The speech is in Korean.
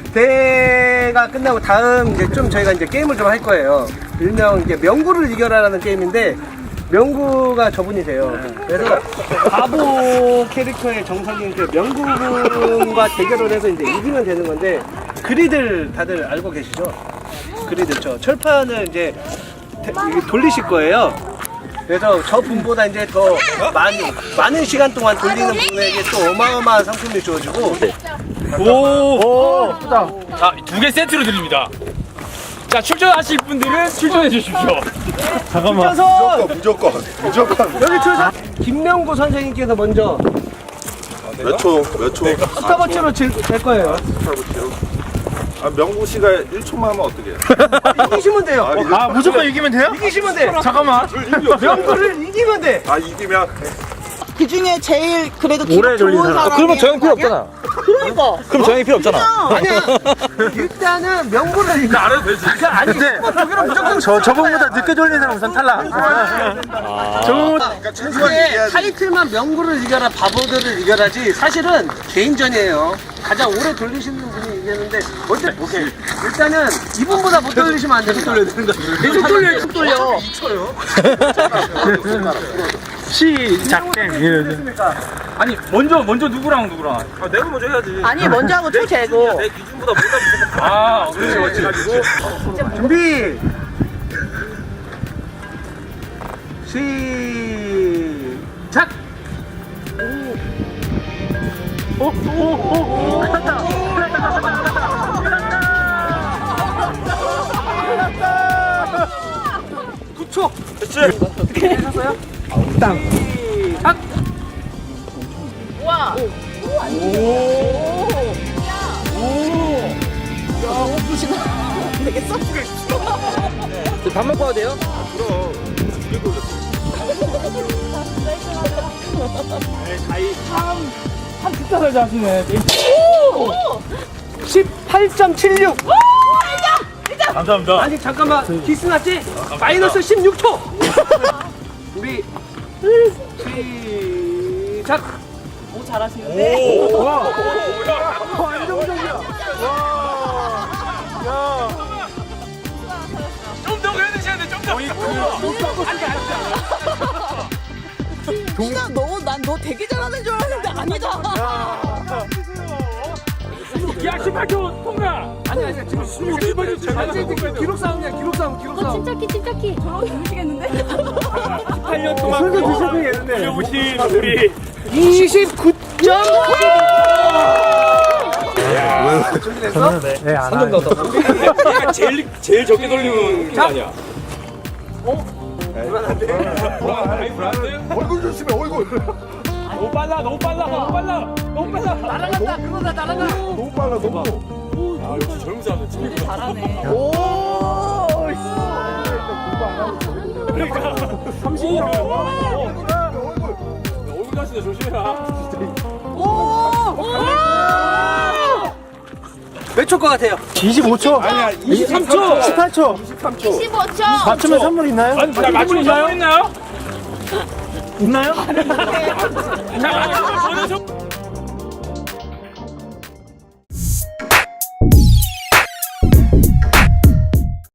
대회가 끝나고 다음 이제 좀 저희가 이제 게임을 좀 할 거예요. 일명 이제 명구를 이겨라라는 게임인데 명구가 저분이세요. 그래서 바보 캐릭터의 정석인 그 명구군과 대결을 해서 이제 이기면 되는 건데 그리들 다들 알고 계시죠? 그리들 저 철판을 이제 돌리실 거예요. 그래서 저 분보다 이제 더 많은 시간 동안 돌리는 분에게 또 어마어마한 상품이 주어지고. 오, 예쁘다. 자, 2개 세트로 드립니다. 자, 출전하실 분들은 출전해 주십시오. 잠깐만. 무조건. 여기 출전. 김명구 선생님께서 먼저 몇 초? 스타버치로 될 거예요. 아, 명구 씨가 1초만 하면 어떻게 해요? 이기시면 돼요. 아, 무조건 이기면 돼요? 이기시면 돼. 잠깐만. 명구를 이기면 돼. 아, 이기면? 그 중에 제일 그래도 오래 기록 좋은 돌리는 사람. 사람이 그러면 저 형 필요 없잖아. 그러니까. 그럼 저 형이 필요 없잖아. 아니야. 일단은 명구를 이겨. 안 해도 되지. 아니, 저기는 무조건 저번보다 늦게 돌리는 사람 우선 탈락. 그러니까 최소한 이겨야지. 타이틀만 명구를 이겨라 바보들을 이겨라지 사실은 개인전이에요. 가장 오래 돌리시는 분이 이기는데 오케이. 일단은 이분보다 못 돌리시면 안 돼요. 돌려야 되는 거죠. 계속 돌려. 2초요. 시작. 아니 먼저 누구랑? 아, 내가 먼저 해야지. 아니 먼저 하고 초 재고. 내 기준보다 못하면 아, 그렇지. 준비. 시작. 갔다. 9초. 됐지? 하셨어요? 땅. 시작. 우와. 되겠어? 밥 먹고 와도 돼요? 그럼. 두개 돌렸어. 참 비싸게 하시네. 18.76. 감사합니다. 아니 잠깐만 기스 났지? 마이너스 16초. 준비. 시작. 오 잘하시는데? 좀 더 해주셔야 돼. 좀 더. 진짜 난 너 되게 잘하는 줄 알았는데 아니다. 야, 18초 통과. 아니 지금 16초. 기록 싸움이야 기록 싸움. 침착히 저러고 주무시겠는데? 8년 동안 술도 드셔도 되는데. 오신 우리 29점. 얘가 제일 적게 돌리는 거 아니야? 불안한데? 얼굴 조심해, 얼굴. 너무 빨라. 날아간다 그거다 날아가. 너무 빨라, 너무. 아, 역시 젊은 사람들 진짜 잘하네. 그러니까 30년 얼굴 다시네 조심해라. 몇 초 것 같아요? 25초? 아니야 23초 18초 15초. 맞추면 선물 있나요? 아니, 맞추면 선물 있나요? 있나요? 자, 맞추면 저는